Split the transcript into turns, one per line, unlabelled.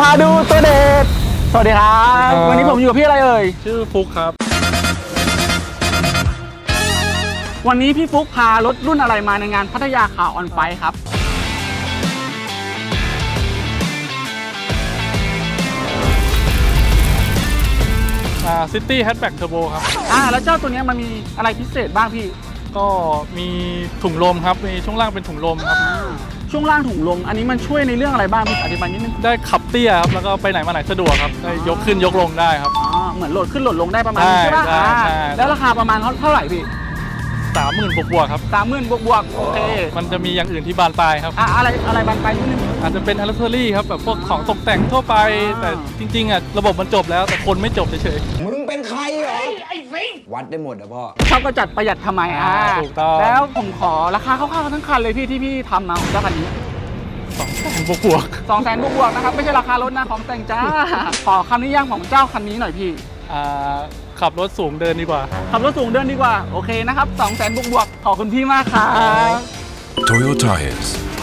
พาดูตัวเด็ดสวัสดีครับวันนี้ผมอยู่กับพี่อะไรเอ่ย
ชื่อฟุกครับ
วันนี้พี่ฟุกพารถรุ่นอะไรมาในงานพัทยาคาร์ออนไฟครับ
ซิตี้แฮชแบ็กเทอร์โบครับ
แล้วเจ้าตัวนี้มันมีอะไรพิเศษบ้างพี่
ก็มีถุงลมครับมีช่วงล่างเป็นถุงลมครับ
ช่วงล่างถุงลมอันนี้มันช่วยในเรื่องอะไรบ้างพี่อธิบายนิดนึง
ได้ขับเตี้ยครับแล้วก็ไปไหนมาไหนสะดวกครับได้ยกขึ้นยกลงได้ครับ
เหมือนโหลดขึ้นโหลดลงได้ประมาณนี้ใช่ป่ะแล้วราคาประมาณเท่าไหร่พี่
30,000 บวกครับ
30,000 บวกโอเค
มันจะมีอย่างอื่นที่บานปลายครับ
อะไรบานปลายนิดนึง
อาจจะเป็นอัลเทอรี่ครับแบบพวกของตกแต่งทั่วไปแต่จริงๆระบบมันจบแล้วแต่คนไม่จบเฉย
ๆมึงเป็นใครเหรอไอ้ฟิงวัดได้หมดพ่อ
ชอบก็จัดประหยัดทำไม
ถูกต้อง
แล้วผมขอราคาคร่าวๆทั้งคันเลยพี่ที่พี่ทำมาของเจ้าคันนี้
200,000 บวก
200,000 บวกนะครับไม่ใช่ราคารถนะของแต่งจ้าขอคำนิยามของเจ้าคันนี้หน่อยพี่
ขับรถสูงเดินดีกว่า
ขับรถสูงเดินดีกว่าโอเคนะครับ200,000 บวกขอบคุณพี่มากครับ
Toyota Tires